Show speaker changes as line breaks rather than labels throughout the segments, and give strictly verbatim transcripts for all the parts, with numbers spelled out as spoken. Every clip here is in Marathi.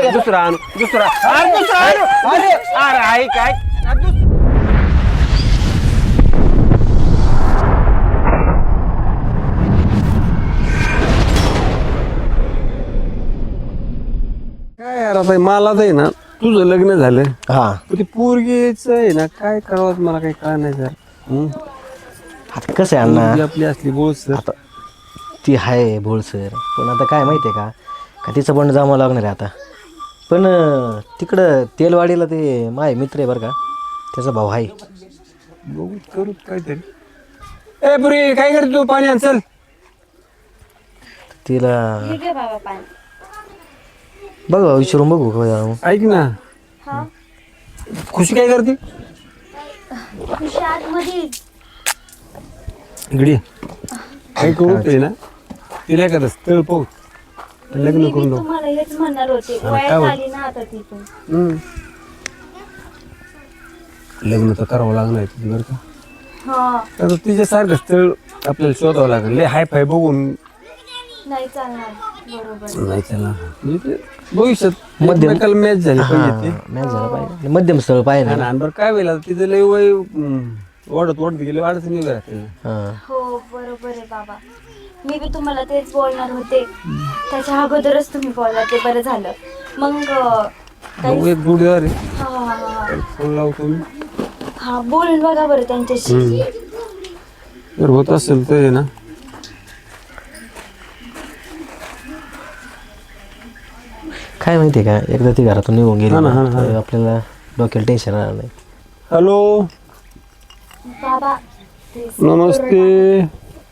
दुसरा आणू दुसरा अरे दुसरा आणू अरे अरे आई काय काय यार आता मला आहे ना तुझं लग्न झालं
हा
ती पोरगीच आहे ना काय करावं मला काही कळ नाही सर
आता कसं आहे अण्णा
आपली असली बोल सर
आता ती आहे बोलसर पण आता काय माहिती आहे का का तिचं पण जमावं लागणार आहे आता पण अं, तिकडं तेलवाडीला ते माय मित्र आहे बरं का त्याचा भाऊ आहे
बघू करू काहीतरी ए पुरी काय करतो तू पाणी आण चल
तिला
हे घे बाबा पाणी.
बघू विचारून बघू का जाऊ.
ऐक ना
हा
खुशी काय करते
खुशी आतमध्ये.
इकडे ये. काय करू ते ना तिला एखादं स्थळ पाहू लग्न
मी
करून
बी
नको
तुम्हाला हेच म्हणणार होते
काय
वयात
होत?
आली ना आता तिथून.
हम्म. लग्न तर करावं लागणार आहे तुझं बरं का
हा
तर तिच्यासारखं स्थळ आपल्याला शोधावं लागेल लय हाय फाय बघून
नाही चालणार बरोबर.
नाही त्याला म्हणजे ते भविष्यात
मध्यम-
एकमेकाला मॅच झाली पाहिजे ते
मॅच झाला पाहिजे मध्यम स्थळ पाहिजे
आणि बरं काय होईल आता तिचं लय वय हम्म, वाढत वाढत गेले अडचणी उभ्या राहतील
हां
हो बरोबर आहे बाबा. मी बी तुम्हाला तेच बोलणार होते त्याच्या अगोदरच तुम्ही बोलला ते बरं झालं. मग अं,
भाऊ
काही
एक गुढीदार आहे
हा हा हा हा.
फोन लावतो मी
हा बोलून बघा बरं त्यांच्याशी.
हम्म. जर होत असेल तर आहे ना
काय माहिती आहे का एकदा ती घरातून निघून गेली
हा ना, हा
ना,
ना, हा.
तर आपल्याला डोक्याला टेन्शन राहणार नाही.
हॅलो
बाबा ते
नमस्ते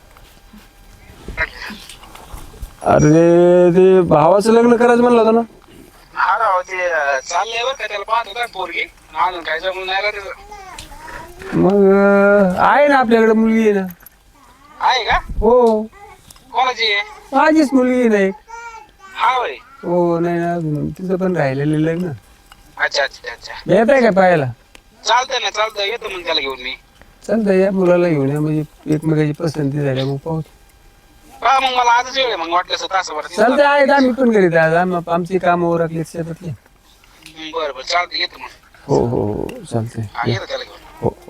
अरे ते भावाचं लग्न करायचं म्हणलं होतं ना
हा राव ते चाललंय बरं का त्याला पाहत होता पोरगी अजून काय जमून नाही का त्याचं
मग अं, आहे ना आपल्याकडे मुलगी आहे ना
आहे का
हो
कोणाची आहे
माझीच मुलगी आहे ना एक
हा वय
हो नाही ना अजून तिचं पण राहिलेलं लग्न
अच्छा अच्छा अच्छा
येत आहे का पाहायला
चालतंय ना चालतंय येतो मग त्याला घेऊन मी
चालतं या मुलाला घेऊन या म्हणजे एकमेकाची पसंती झाल्या मग पाहू
हा मग मला आजच वेळ आहे मग वाटलं असं तासाभरात येतो.
चालतं आहे आम्ही पण करीत आज आम- आमची कामं ओरखली शेतातली
हं, बरं बरं चालतंय येतो मग
हो हो हो चालतंय
हा येतो त्याला घेऊन
हो हो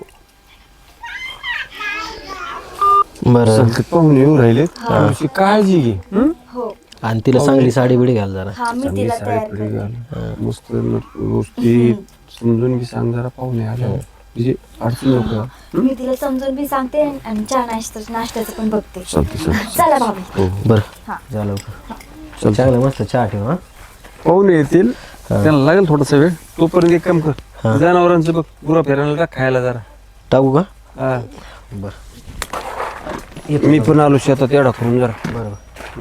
बरं
चालतं पाहून येऊ राहिले थोडीशी काळजी घे हं?
हो
आणि तिला चांगली साडी बिडी घाल जरा
हा मी
चांगली
तिला
साडी
तयार
पिढी
करते.
घाल मस्त व्यवस्थित समजून बी सांग जरा पाहुणे आल्या म्हणजे अडचण नको
मी तिला समजून बी सांगते आणि चहा नाश्ता नाश्त्याचं पण बघते.
चालतं चालतं
चला बाबा.
हो
बरं
हा.
झालं चांगलं मस्त चहा ठेव हा
पाहुणे येतील त्यांना लागेल थोडासा वेळ तोपर्यंत एक काम कर जनावरांचं बघ गुरा फिरायला टाक खायला जरा
टाकू का
हा
बरं
मी पण आलो शेतात एवढा करून जरा
बरोबर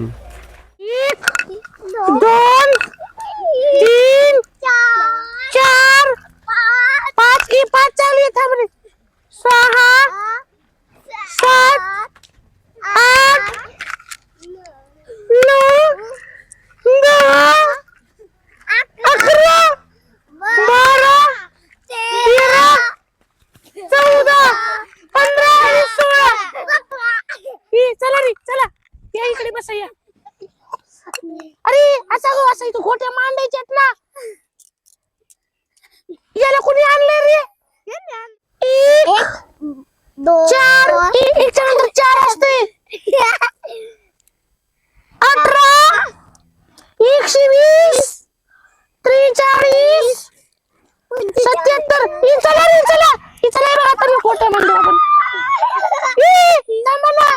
दोन तीन चार पाच की पाच चालू आहे थांब रे सहा सात आठ नऊ दहा अकरा बारा तेरा चौदा पंधरा आणि सोळा ही, चला रे चला या इकडे बसा या. अरे असा गो असा इथं गोट्या मांडायच्यात ना याला कोणी आणलंय रे एक चार एक एकच्या नंतर चार असते अठरा एकशे वीस त्रेचाळीस सत्याहत्तर ही चला रे चला ही चला रे आता मी गोट्या मांडू आपण ई, थांबा ना.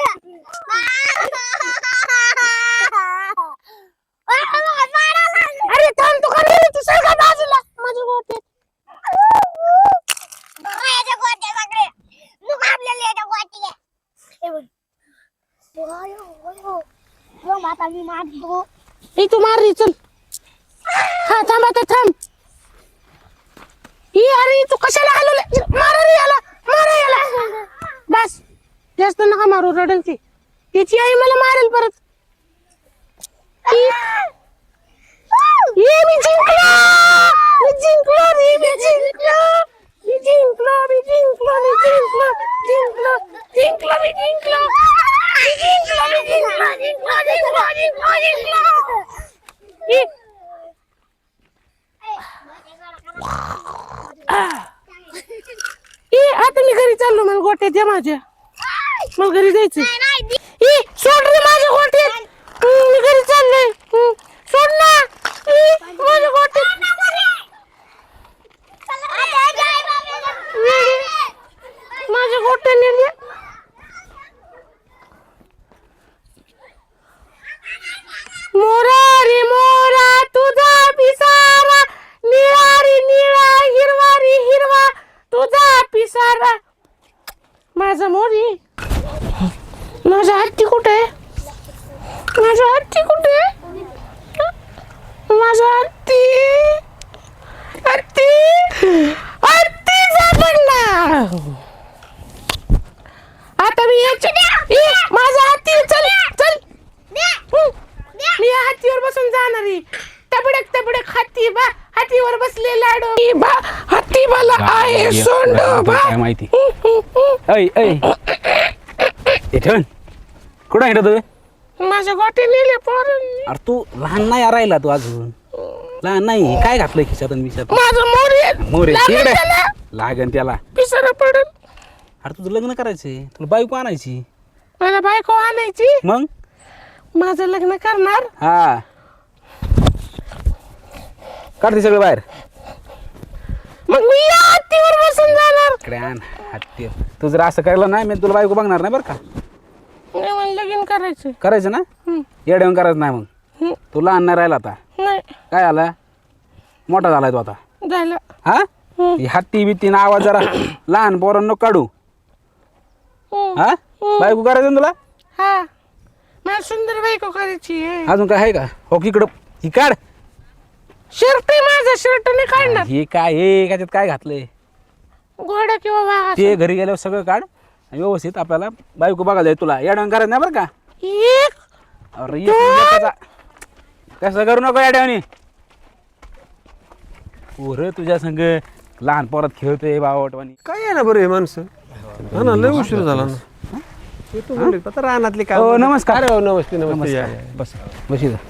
अरे थांब तू का रे तू सगळं बाजूला माझी गोटे माझ्या गोटे सगळे लोक आपल्याला येतात गोटे हे बघ यो माता मी मारतो ए तू मार रे चल हा थांब आता थांब ही अरे तू कशाला हलवले मार रे याला मार याला बस जास्त नका मारू रडल ती तिची आई मला मारेल परत ये मी जिंकलो मी जिंकलो रे मी जिंकलो मी जिंकलो मी जिंकलो मी जिंकलो जिंकलो जिंकलो मी जिंकलो मी जिंकलो मी जिंकलो जिंकलो जिंकलो जिंकलो जिंकलो चाललो मला गोट्यात द्या माझ्या मला घरी जायचं ई सोड रे माझ्या गोट्यात हम्म, मी घरी चालले हम्म, सोड ना ई, माझ्या गोट्यात माझ्या गोट्याने द्या. मोरा रे मोरा तुझा पिसारा निळा रे निळा हिरवा रे हिरवा तुझा पिसारा माझा मोरी माझा हत्ती कुठे आहे माझा हत्ती कुठे आहे माझा हत्ती हत्ती हत्ती सापडला आता मी याच्या ए, माझा हत्ती चल चल हम्म. मी या हत्तीवर बसून जाणार आहे तबडक तबडक हत्ती बा हत्तीवर बसले लाडो ई बा हत्ती मला आहे सोंडो बा
काय माहिती ऐ ऐ इथून कुठं आहे तू
माझ्या गोटे नेले पोरांनी
अरे तू लहान नाही राहिला तू अजून लहान नाही काय घातलंय खिशात आणि मिशात
माझं मोरे
मोरे
लागेल
तिकडे
त्याला.
लागन त्याला
पिसारा पडल
अरे तुझं लग्न करायचंय तुला बायको आणायची
मला बायको आणायची
मग
माझं लग्न करणार
हा काढते सगळं बाहेर
मग मी या हत्तीवर बसून जाणार
इकडे आण हत्ती तू जर असं करायला नाही मी तुला बायको बघणार नाही बरं का
नाही मला लगीन करायचं
करायचं ना
हम्म.
येड्यावर करायचं नाही मग
हम्म.
तू लहान नाही राहिला आता
नाही
काय आला मोठा झालाय तू आता
झालं
हा
हम्म.
ही हत्ती बित्तीनं आवाज जरा लहान पोरांनो काढू
हम्म.
हा बायको करायचं ना तुला
हा मला सुंदर बायको करायची आहे
अजून काय आहे का हो इकडं ही काढ
शर्ट आहे माझा शर्ट नाही काढणार
हे काय हे त्याच्यात काय घातलंय
घोडा किंवा वाघ
ते घरी गेल्यावर सगळं काढ आणि व्यवस्थित आपल्याला बायको बघायला जाईल तुला येड्यावर करायचं नाही बरं का
एक
अरे एक एकाचा कसं करू नको येड्यावनी पोरं तुझ्या संग लहान पोरात खेळतोय बावटवानी
काय आहे ना बरं हे माणसं हा ना लय उशीर झाला ना येतो म्हणले, आता रानातले काय
हो, नमस्कार.
अरे हो, नमस्ते नमस्ते या, या.
बस बस इथं.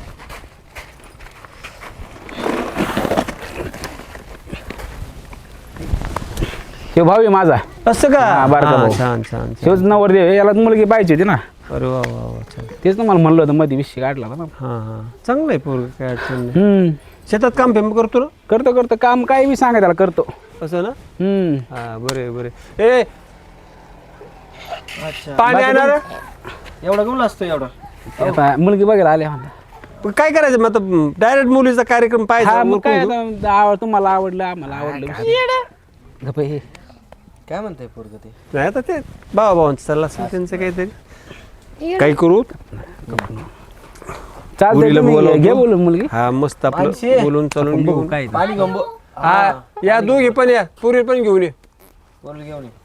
हे भाऊ आहे माझा
असं का
हा, बारका
हा,
भाऊ.
छान छान छान.
शेवच नवर देव याला मुलगी पाहिजे होती ना
अरे वा वा वा छान
तेच ना मला म्हणलं होतं मध्ये विषय काढला होता ना
हा हा चांगलं आहे पोरग काय अडचण नाही
हम्म
शेतात काम फेम करतो ना
करतो करतो काम काय बी सांगा त्याला करतो
असं ना
हम्म
हा बरे बरे ए पाणी येणार
एवढा गमला असतो एवढा
आता मुलगी बघायला आले म्हणता
काय करायचं मग आता डायरेक्ट मुलीचा कार्यक्रम
हा
पाहायचा
मग काय
उरकून घेऊ.
आता आव- तुम्हाला आवडलं आम्हाला आवडलं गप्प हे
काय म्हणताय पोरग ते
नाही आता ते भावा भावांचं चाललं असेल त्यांचं काहीतरी काही करू
चालतंय
मुलीला
तुम्ही
बोलावतो.
घे बोलून मुलगी
हा मस्त आपलं
माणसे.
बोलून चालून घेऊन
काय
पाणी गंबो
हा या दोघे पण या पुरी पण घेऊन ये
बोल घेऊन ये.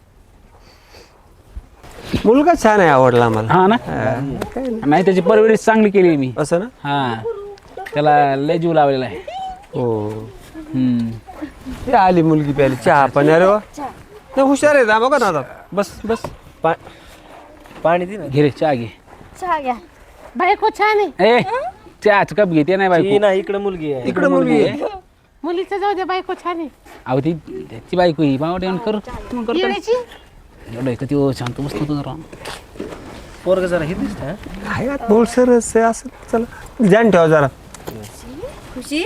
मुलगा छान आहे आवडला आम्हाला
हा ना
हा, काय नाही.
नाही त्याची परवरिश चांगली केली मी
असं ना
हा त्याला लय जीव लावलेला आहे
हो
हम्म.
ते आली मुलगी प्याली चहा पण अरे वा नाही हुशार आहे बघा ना आता बस बस
पा- पाणी दे ना
घे रे चहा घे
चहा घ्या
बायको छान आहे
ए चहाच कप घेते नाही
ती
बायको
ना इकडे मुलगी आहे
इकडे मुलगी आहे
मुलीचं जाऊ दे बायको छान आहे
अहो ती त्याची बायको ही बावट येऊन कर मग करतो
येण्याची
एवढं आहे का ती शांत बसतो तू जरा
पोरग जरा हे दिसत
आहे आता बोल सरस आहे असं चला ध्यान ठेवा जरा
खुशी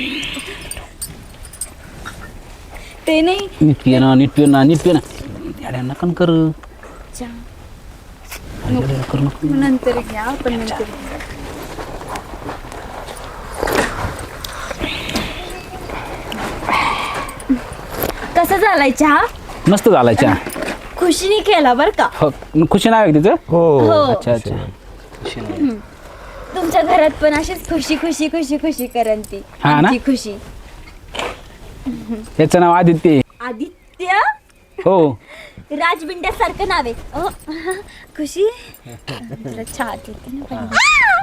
ते नाही
नीट पिये ना नीट पिये ना नीट पिये ना याड्या नकन कर
चहा
याड्या कर नको.
नंतर घ्या पण नंतर घ्या. कसा झालाय चहा
मस्त झाला चहा
खुशीने केला बर का
हो खुशी नाव आहे का तिचं
हो
हो
अच्छा अच्छा
तुमच्या घरात पण अशीच खुशी खुशी खुशी खुशी करन ती
हा ना?
आमची खुशी
त्याचं नाव आदित्य आहे.
आदित्य
हो
राजबिंड्यासारखं नाव आहे अहो, खुशी तुला चहा देते ना पहिलं.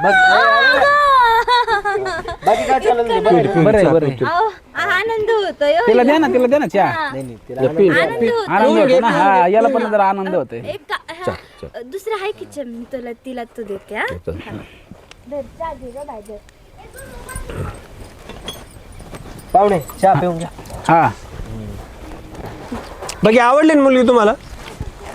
बाकी काय चाललं
बरं आहे बरं आहे
अहो, आनंद होतोय हो
तिला
हिला.
द्या ना तिला द्या ना चहा
हा.
नाही तिला
या पी.
आनंद होतोय.
आनंद होतो ना हा याला पण जरा आनंद होतोय
एक का- हा, दुसरं आहे की मी तुला तिला तू देते हा हा. धर, चहा घे गं बाई, धर.
पाहुणे चहा पिऊन घ्या
हा
बाकी आवडली ना मुलगी तुम्हाला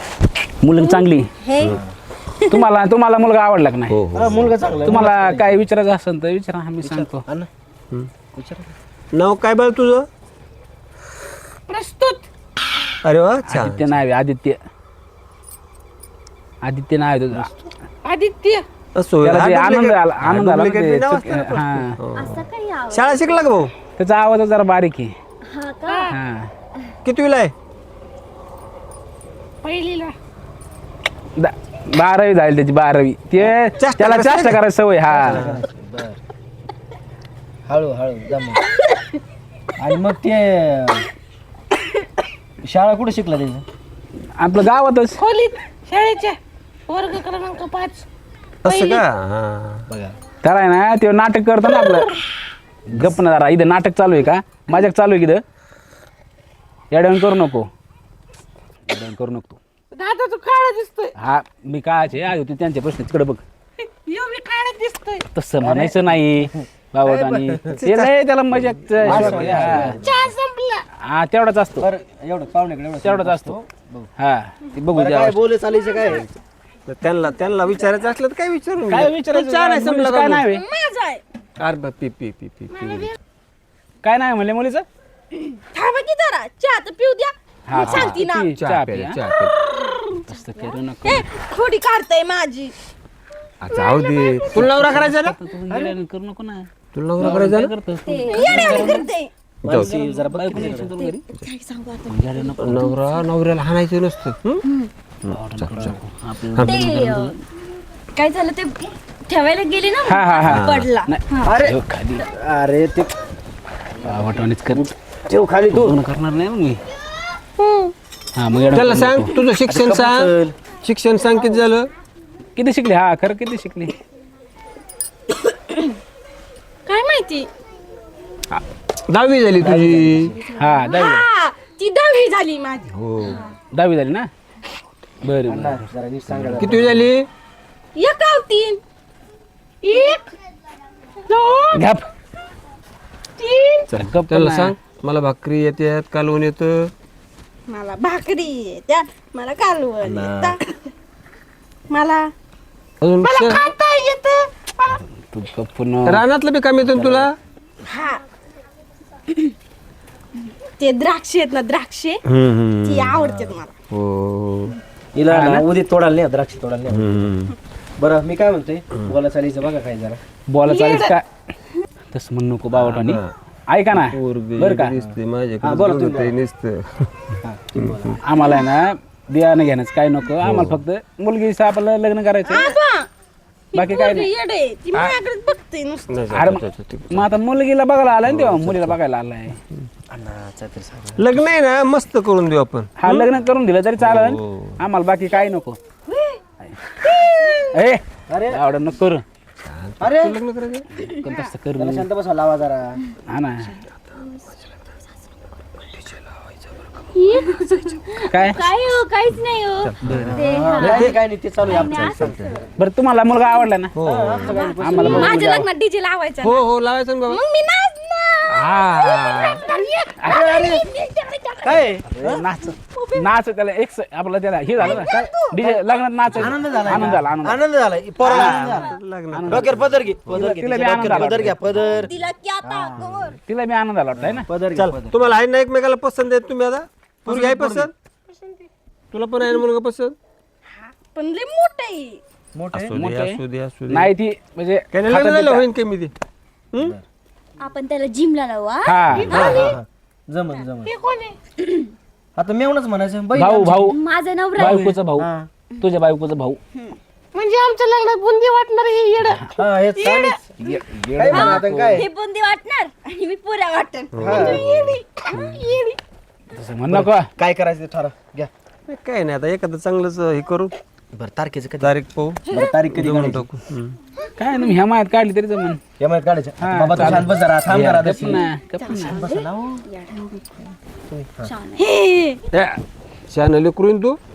मुलगी चांगली तुम्हाला तुम्हाला मुलगा आवडला का नाही
हा, मुलगा चांगला आहे.
तुम्हाला काय विचारायचं असेल तर विचारा मी सांगतो
हा ना?
नाव काय बरं तुझं?
प्रस्तुत
अरे वा छान.
आदित्य नाव आहे आदित्य आदित्य नाव आहे तुझं
आदित्य
असो
त्याला ते
हा,
आनंद
duplicate-
आला आनंद
हा,
आला ना
duplicate
ते
नाव
चुक-
असतं ना.
हा
असं काही आव
शाळा शिकला का भाऊ?
त्याचा आवाज जरा बारीक आहे
हा का
हा
कितवीला आहे?
पहिलीला
दा- बारावी झाली त्याची बारावी ते
चेष्टा
त्याला
करायची
चेष्टा
का?
करायची सवय हा
हळू हळू जमा. आणि मग ते शाळा कुठे शिकला त्याचं?
आपलं गावातच
खोलीत शाळेच्या वर्ग क्रमांक पाच
असं का? हा.
बघा
त्याला आहे ना ते नाटक करतो ना आपलं गप्प ना जरा इथं नाटक चालू आहे का माझ्याक चालू आहे की इथं येड्यावून करू नको येड्यावून करू नको तू
दादा तू काळा दिसतोय
हा मी कायचे आहे होते त्यांचे प्रश्न तिकडे बघ
यो मी काळा दिसतोय
तसं म्हणायचं नाही बाबा आणि ते लय त्याला मजा
चहा संपला
हा तेवढाच असतो
बरं एवढं पाहुण्याकडे एवढं
तेवढाच असतो हा ते बघू
बरं,
द्या
काय बोले चालायचं काय?
तर त्यांना त्यांना विचारायचं असलं तर काय विचारून
काय
घे.
विचारायचं
चहा नाही
मुलीचं
संपला
काय
का
नाही
भाऊ?
माझा आहे
अरे बा, पी पी पी पी पी.
काय नाही म्हणले मुलीचं
थांबा की जरा चहा तर पिऊ द्या
हा
मी सांगते ना
ती
चहा
चहा
प्यायला,
प्या.
चहा प्यायला.
तसं करू नको
ए, थोडी काढताय माझी
आ, जाऊ दे. तुला नवरा करायचा ना?
तू येड्यावरून करू नको ना
तुला नवरा करायचा
काय
ना?
करतोस तू?
येड्यावानी करते
माणसं जरा बघ
बायको
किती
नाही
जरा.
सोडून घरी.
सांगू आता
येड्या नको.
नवरा नवऱ्याला हाणायचं नसतं हं?
आपलं-
ते अं, काय झालं ते ठेवायला गेले ना
हा हा हा
पडला
अरे
ठेव खाली
अरे ते
वाटवणीच कर
ठेव खाली तू.
लग्न करणार नाही ना मी हा मग येडा
त्याला
करू
सांग
नको.
तुझं शिक्षण सांग शिक्षण सांग किती झालं?
किती शिकली हा खरं किती शिकली
काय माहिती
दहावी झाली तुझी.
हा दहावी
हा ती दहावी झाली माझी
हो.
दहावी झाली ना बरं बरं
जरा नीट सांगा.
कितवी झाली?
एक आव तीन एक दोन
घ्याप
तीन
चल गप्प
त्याला
ना.
सांग मला भाकरी येतात कालवून येतं.
मला भाकरी त्या मला कालवण येतं. मला
अजून
मला
श-
खाता येत
तू गप्प न.
रानातलं बी काम येतं ना तुला?
हा ते द्राक्षे आहेत ना द्राक्षे ती आवडतात मला
हो.
हिला ना उद्या तोडायला नाही द्राक्ष तोडायला नाही.
हम्म.
बरं मी काय म्हणतोय बोला चालायचं बघा काय जरा.
बोला चालेल काय तसं म्हणू नको बावटानी ऐका ना
पोरगी
बरं का
दिसते
हा,
माझ्याकडे
बोला
बघत
तुम्ही
आहे नुसतं.
आम्हाला आहे ना बियाणं घेण्याचं काय नको आम्हाला फक्त मुलगी आपलं लग्न करायचं
आबा, ती
बाकी काय
पोरगी
नाही.
येडे ती माझ्याकडे बघते नुसतं
नाही,
अरे
जा, जा, जा, जा.
मग आता मुलगीला बघायला आलाय ना तेव्हा मुलीला बघायला आलाय
अण्णाचा तरी सांगा.
लग्न आहे ना मस्त करून देऊ आपण.
हा लग्न करून दिलं तरी चालेल
हो.
आम्हाला बाकी काय नको ए
अरे
आवड नको करू
अरे
लग्न करायचं
पण तसं करू
त्याला शांत बसा लावा जरा.
हा ना काय
काय हो काहीच नाही हो ते हा.
नाही, काय नाही ते चालू आहे आमचं.
बरं तुम्हाला मुलगा आवडला ना आम्हाला बघ.
माझ्या लग्नात डीजे लावायचा
हो हो लावायचं ना बाबा.
मग मी नाचणार
हा.
काय
नाच नाच त्याला एक स- आपलं त्याला हे झालं ना काय डीजे लग्नात नाच
आनंद झाला
आनंद झाला आनंद झाला.
आनंद झाला पोराला आनंद झाला.
लग्न
डोक्यावर पदर घे पदर घे
तिला बी
तिच्या
आनंद
डोक्यावर
आला
पदर घ्या पदर
तिला की आता कवर.
तिला मी आनंद आला वाटतं आहे ना
पदर घ्या पदर.
तुम्हाला आहे ना एकमेकाला पसंत आहे तुम्ही आता पोरगी आहे पसंत तुला पण आहे ना मुलगा पसंत?
पण लय मोठं आहे
मोठे
असू दे
मोठं आहे.
असू दे असू दे.
नाही ती म्हणजे
काय नाही,
खातं
लग्न झालं
पितं.
होईन कमी ते. हं?
आपण त्याला जिमला लावू हा?
हा
जमन जमन
हे कोण आहे
आता मेवणच म्हणायचं बहीण
भाऊ भाऊ
माझा नवरा आहे.
बायकोचा भाऊ
हा.
तुझ्या बायकोचा भाऊ
म्हणजे आमच्या लग्नात बुंदी वाटणार हे येड
हा हे चालेल. काय म्हणा आता काय
हे बुंदी वाटणार आणि मी पुऱ्या वाटण
तसं म्हण नको
काय करायचं ते ठरव घ्या.
काय नाही आता एखादं चांगलंच हे करू
बरं तारखेचं कधी
तारीख पाहू
बरं तारीख कधी
देऊन
काढायची?
टाकू. हं.
काय तुम्ही ह्या मायात काढली तरी जमन
या महिन्यात काढायचं
हा,
बाबा तू शांत बस जरा थांब जरा
गप्प
दशी.
ना, गप्प ना.
बसा ना हो.
त्या शहाणं लेकरू आहे ना तू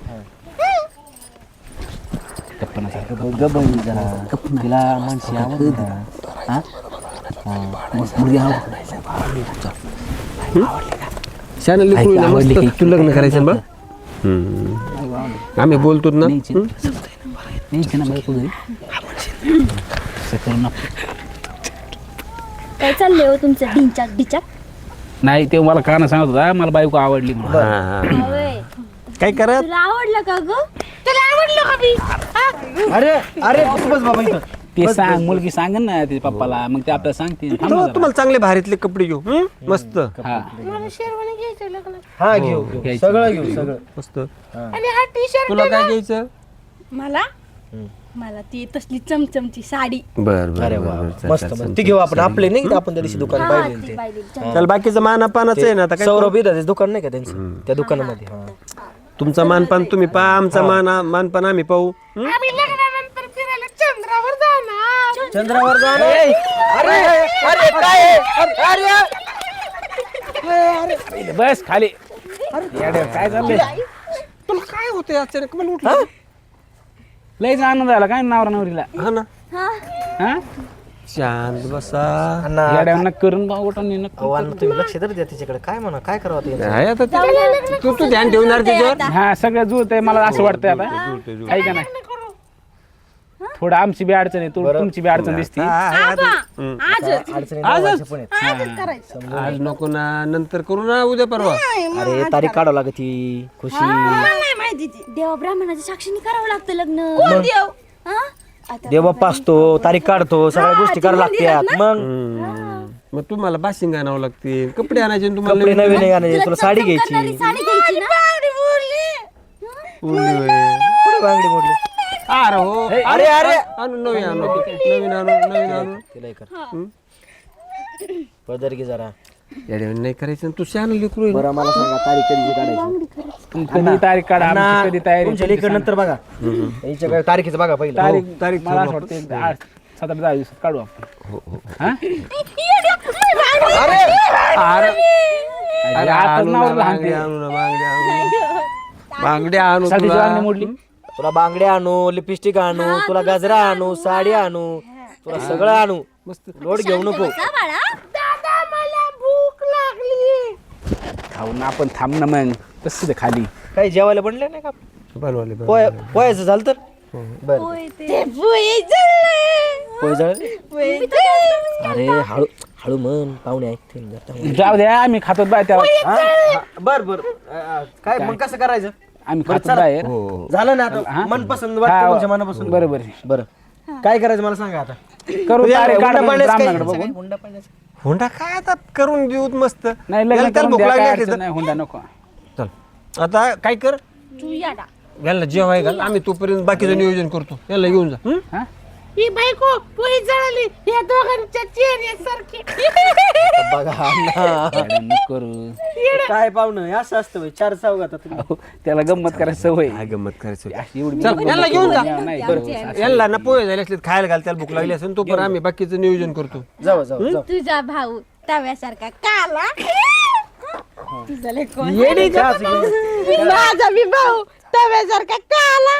गप्प ना सारखं.
गप्प बहीण जरा तिला माणशी आवडते जरा. हा? हा. मस्त मुलगी आवडते.
शहाणं लेकरू आहे ना,
आवडली
मस्त
की.
तू लग्न करायचं बा आम्ही बोलतो ना.
न्यायची न्यायची ना बायको घरी. असं करू नका.
काय चाललंय हो तुमचं ढिंचाक ढिचाक?
नाही ते मला काना सांगत होता मला बायको आवडली म्हणून.
हा, हा.
होय.
काय करत
तुला आवडलं का ग?
तुला आवडलं का मी हा?
अरे अरे बस बस बाबा इथं.
ते सांग मुलगी सांगेन ना तिच्या पप्पाला मग ते आपल्याला सांगते थांब ना
तो
जरा.
तुम्हाला चांगले भारीतले कपडे घेऊ हं? मस्त
हा
मला शेरवानी घ्यायचं लग्नात.
हा घेऊ घेऊ
घ्यायची.
सगळं घेऊ सगळं.
मस्त.
आणि हा टी शर्ट
तुला काय घ्यायचं?
मला मला ती तसली चमचमची साडी.
बर बर
अरे वा मस्त मस्त ती घेऊ आपण आपले नाही का आपण त्या दिवशी दुकान
हा,
पाहिजे
ती
ते
पाहिली.
त्याला बाकीचं मानापानाचं आहे ना आता काय
सौरभ इथं दुकान नाही का त्यांचं त्या दुकानामध्ये हा.
तुमचा मानपान तुम्ही पहा आमचा मान मानपान आम्ही पाहू हं?
आम्ही लग्नानंतर फिरायला चंद्रावर जाणार.
चंद्रावर जाणं. अरे अरे काय आहे? अरे
बस खाली येड्या, काय चाललंय
तुला काय होतंय अचानक मला उठलं
लयच आनंद झाला काय नावरा नवरीला.
हा ना
हा
शांत बसा.
अण्णा
येड्या नक करून बा उठून नक.
अहो, अण्णा तुम्ही लक्ष तर द्या तिच्याकडे काय म्हणा काय करावं ते
नाही आता ते- तू तू ध्यान ठेवणार त्याच्यावर
हा सगळं जुळत आहे मला असं वाटतंय आता आहे का नाही. थोडं आमची बी अडचण आहे तू तुमची बी अडचण दिसते.
हा, आहे आता. हं.
अडचणी दोघांच्या पण आहेत.
करायचं.
आज नको ना नंतर करू ना उद्या परवा.
अरे तारीख काढावं लागत ती खुशी
मला नाही माहिती ती.
देवा ब्राह्मणाच्या साक्षीने करावं लागतं लग्न.
कोण देव?
हा? आता
देव बाप्पा असतो तारीख काढतो सगळ्या गोष्टी करावं लागतात मग
हं. मग तुम्हाला बाशिंग आणावं लागते कपडे आणायचे तुम्हाला
कपडे नवीन आहे आणायचे, तुला साडी
करणारी
घ्यायची
साडी घ्यायची ना.
बांगडी बोलली.
उरली होय.
कुठे बांगडी मोडली
अरे हो
अरे अरे
आणू नवीन आणू नवीन आणू नवीन आणू
तिला हे कर पदर घे जरा
येड्या नाही करायचं तू शान लेकरू
बरं मला सांगा तारीख कधी काढायची
कधी तारीख काढा आमची कधी तयारी
तुमच्या लेकर नंतर बघा हिच्या काय तारीखीचं बघा पहिलं
तारीख
तारीख
मला असं वाटतं एक आठ सात आठ दहा दिवसात काढू आपण. हा?
अरे
अरे आता
आणू ना,
नावाला
बांगडी
हाणते.
आणू ना, बांगडी आणू बांगडी आणू
साडीची
तुला.
वांगणी मोडली.
तुला बांगड्या आणू लिपस्टिक आणू तुला गजरा आणू साडी आणू तुला सगळं आणू मस्त लोड घेऊ नको
का बाळा?
दादा मला भूक लागली.
खाऊ ना आपण थांब ना मग तसं खाली.
काही जेवायला बनले नाही का
बनवाले बनवाले.
पोय पोयाचं झालं तर बरं
होय ते.
ते पोहे जळले.
पोय जळले
पोहे जळले.
अरे हळू हळू म्हण पाहुणे ऐकतील जर त्यामुळे.
जाऊ द्या आम्ही खातो बाय त्याला.
हा? हा, बर बर अ, अ, काय मग कसं करायचं
आम्ही
बरं,
खातो
चला.
बाहेर.
हो
झालं ना आता मनपसंत वाटतं तुमच्या मनापासून
बरोबर
बरं काय करायचं मला सांगा आता
करू तारीख
हुंडा
काढा
पाण्याचं काय?
ब्राह्मणाकडे बघून.
हुंडा पाण्याचं?
हुंडा काय आता करून देऊ मस्त
नाही
याला
लग्न
त्याला
करून
भूक
द्या,
लागली
काय
असली
अडचण
तर.
नाही हुंडा नको.
चल आता काय कर
तू याडा.
याला जेवाय घाल आम्ही तोपर्यंत बाकीचं नियोजन करतो याला घेऊन जा हं?
हा?
ही बायको पोहे जळली. या दोघांच्या चेहऱ्यासारखी.
बघा अण्णा.
येड्या नको करू.
काय पाहुणं हे असं असतं होय. चार चौघात आता तुम्ही.
अहो, त्याला गंमत करायची सवय.
काय गंमत करायचं
अशी एवढी
चल,
गंमत
याला घेऊन जा.
करू. नाही, बरोबर.
याला ना पोहे झाले असले खायला घाल त्याला भूक लागली असेल तोपर्यंत आम्ही बाकीचं नियोजन करतो
जाऊ जाऊ जाऊ
तुझा भाऊ तव्यासारखा काला. तुझा लय कोण?
चहाच घेऊन.
माझा मी भाऊ तव्यासारखा काला.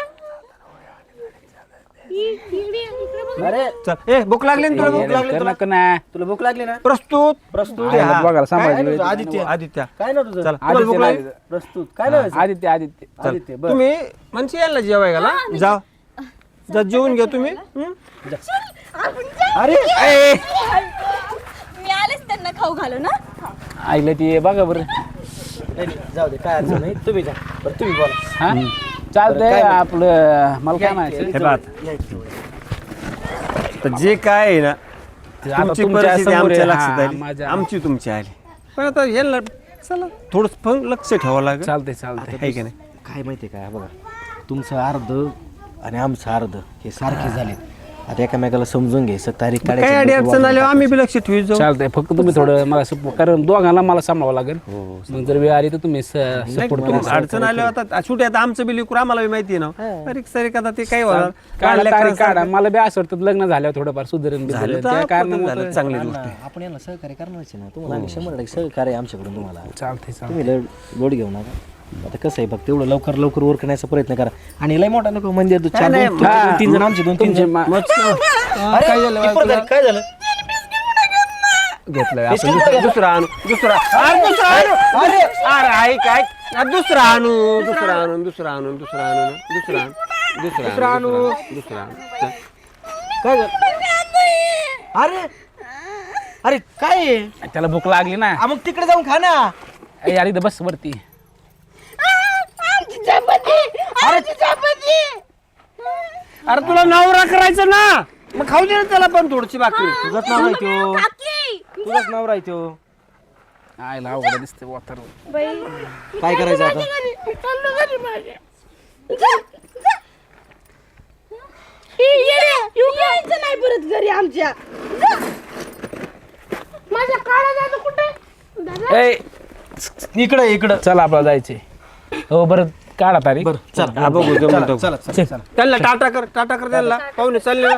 इकडे- इकडे बघ.
अरे
चल ए भूक लागली ना तुला भूक लागली
कर
तुला
नको ना.
तुला भूक लागली ना
प्रस्तुत
प्रस्तुत
आहे,
हा.
बघायला सांभाळायची
काय
वेळ.
तुझं? आदित्य
आदित्य
काय ना तुझं
चल तुम्हाला भूक
आदित्य
लागली
लागली.
प्रस्तुत काय ना
आदित्य आदित्य
आदित्य बर
तुम्ही म्हणजे याला जेवाय घाला जा जा जेवून घ्या तुम्ही हं?
अरे
ए,
मी आलेच त्यांना खाऊ घालू ना.
ऐकलं ती बघा बरं.
नाही, नाही, जाऊ दे काय अडचण नाही तुम्ही जा बरं तुम्ही बोला
हा चालतंय आपलं मला काय म्हणायचं
हे बात तर जे काय आहे ना
आता
तुमची
तुमच्या
परिस्थिती
समोर
आमच्या
आहे.
लक्षात
हा,
आली
माझ्या-
आमची तुमची आली पण आता याला चला थोडं पण लक्ष ठेवावं लागेल
चालतंय चालतंय.
आहे की नाही
काय माहितीये काय बघा तुमचं अर्ध आणि आमचं अर्ध हे सारखे झाले आता एकामेकाला समजून घ्यायचं तारीख
काय
काढायची,
अडी
लोकं
अडचण आली
वाजवून
आम्ही बी लक्ष ठेवू जाऊ
चालतंय फक्त तुम्ही थोडं मला सपोर्ट कारण दोघांना मला सांभाळावं लागेल मग जर वेळ आली तर तुम्ही सपोर्ट
नाही, तुम्ही अडचण आली आता शेवटी आता आमचं बी लेकरू आम्हाला बी माहिती आहे ना तारीख सारीख आता ते काय होणार
काढा तारीख
काढल्या
काढा मला बी असं वाटतं लग्न झाल्यावर थोडंफार सुधारण बिधारण.
झालं
त्या
तर
कारणामुळे
झालं चांगली गोष्ट
ना, आपण यांना सहकार्य करणारच आहे ना तुम्हाला आम्ही शंभर टक्के सहकार्य आहे आमच्याकडून तुम्हाला
चालतंय चालतंय.
तुम्ही लोड लोड घेऊ नका आता कसं आहे फक्त एवढं लवकर लवकर वर करण्याचा प्रयत्न करा आणि लय मोठा नको मंदिर दु- चार
नाही,
दोन- तुमचे दोन तीन जण आमचे दोन तीन
तुमचे
जण
मा-
अरे,
काय झालं
किती झालं? काय झालं
घेतलंय आपण दुसरं- दुसरा आणू दुसरा अरे दुसरा आणू अरे अरे ऐक ऐक अरे दुसरा आणू दुसरा आणू दुसरा आणू दुसरा आणू ना दुसरा आणू दुसरा आणू दुसरा आणू चल.
काय झालं? अरे अरे काय आहे?
त्याला भूक लागली ना
आ, मग तिकडे जाऊन खा ना.
ए, यार इथं बस वरती
अरे तुला नवरा करायचं ना मग खाऊ दे ना त्याला पण थोडीशी भाकरी
तुझंच नाव राहतो तुझंच नाव राहतो.
आयला अवघड दिसते वातर
बाई
काय करायचं आता?
यायचं नाही परत घरी आमच्या माझ्या काळा जातो कुठे
ए
इकडे इकडं
चल आपल्याला जायचे हो बरं काढा तारीख
बरं चल
हा बघू जमतं.
चला चला
त्यांना टाटा कर टाटा कर त्यांना पाहुणे चालले ना.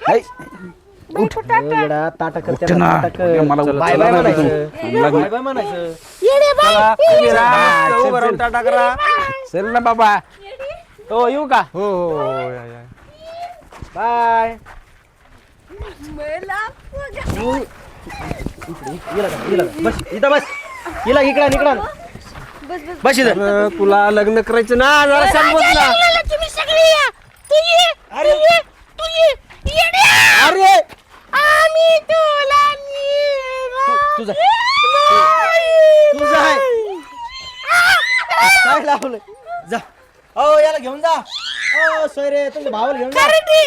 येडा, ताटा कर
उठ
त्याला,
ना.
ताटा कर.
मला
बाय बाय म्हणायचं
लग्न
बाय बाय म्हणायचं.
चला, उभे राहा, उभं राहून टाटा करा
चल ना बाबा हो येऊ का
हो हो हो या, या.
बाय इला का, इला का. बस इथं बस इला इकडं इकडं बस इथं.
अरे, तुला लग्न करायचं ना जरा सांगत ना
तुम्ही सगळे या तू ये
अरे
तू ये येड्या.
अरे
आम्ही तुला नेणार
तुझा
नाही.
तुझा आहे काय लावलं जा ओ याला घेऊन जा ओ सोयरे तुमच्या भावाला घेऊन जा.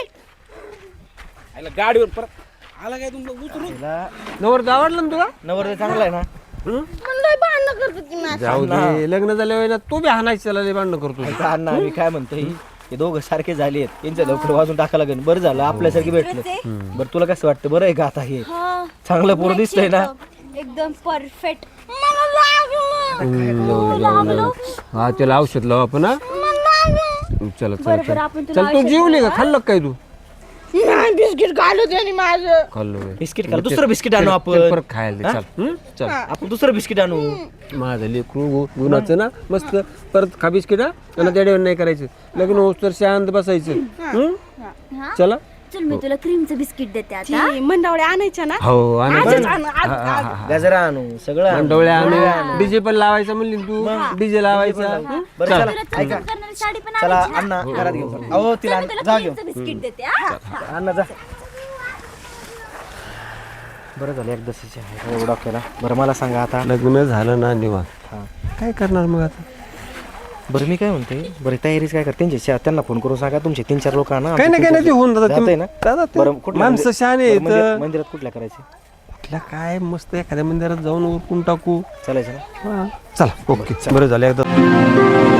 आयला गाडीवर परत आला काय तुमचं उतरू
हिला
नवर आवडलं ना तुला
नवरदेव चांगला आहे ना.
म्हणलं भांडण करतो की नाही.
जाऊ दे लग्न झाल्यावर ना तू बी हाणायचं त्याला लय भांडणं करतो
ऐका अण्णा मी काय म्हणतोय हे दोघं सारखे झाले आहेत यांच्या लवकर वाजून टाका लागेल. बरं झालं आपल्यासारखे भेटलं. बरं तुला कसं वाटतं बरं आहे का आता हे
हा
चांगलं पोरं दिसतंय ना.
एकदम परफेक्ट.
मला लागलं.
हा त्याला औषध लाव आपण हा चला चला
बरं,
चला.
आपण तुला
चल तू
औषध
जेवली का खाल्लं का काय तू
नाही बिस्किट घालू त्याने माझं.
खाल्लो बे.
बिस्किट खा दुसरं बिस्किट आणू
चल
आपण
परत खायला दे चल हं? चल
आपण दुसरं बिस्किट आणू.
माझं लेकरू गु- गुणाचं ना मस्त परत खा बिस्किट हा आणि त्याच्यावर नाही करायचं लग्न होस तर शांत बसायचं हं?
हा
चला
चल मी तुला क्रीमचं बिस्किट देते आता.
ती मंडावळे आणायच्या ना.
हो
आजच
आणि
आण, आज, आज.
गजरा आणू सगळं आणू.
डोळे आणि डीजे पण लावायचा म्हणली ना तू डीजे लावायचा हं?
बरं चला
तुला चमचम करणारी साडी पण
चला
आणायची ना?
अण्णा घरात घेऊन अहो तिला
चल,
आण-
मी तुला
जा घेऊन
क्रीमचं बिस्किट देते हा.
अण्णा जा. बरं झालं एकदाच आहे डॉक्टरला. बरं मला सांगा आता
लग्न झालं ना निवांत
हा.
काय करणार मग आता
बरं मी काय म्हणते बरं तयारीच काय कर त्यांच्या त्यांना फोन करून सांगा तुमचे तीन चार लोक ना
काही नाही काही नाही ते होऊन जातं.
जातंय ना
दादा ते
बरं कुठल्या
माणसं
मंदिर-
शहाणे
बरं, मंदिर-
आहेत
मंदिरात कुठल्या करायचे
कुठल्या काय मस्त एखाद्या मंदिरात जाऊन उरकून टाकू
चालायचं ना.
हा. चला ओके बरं झालं एकदा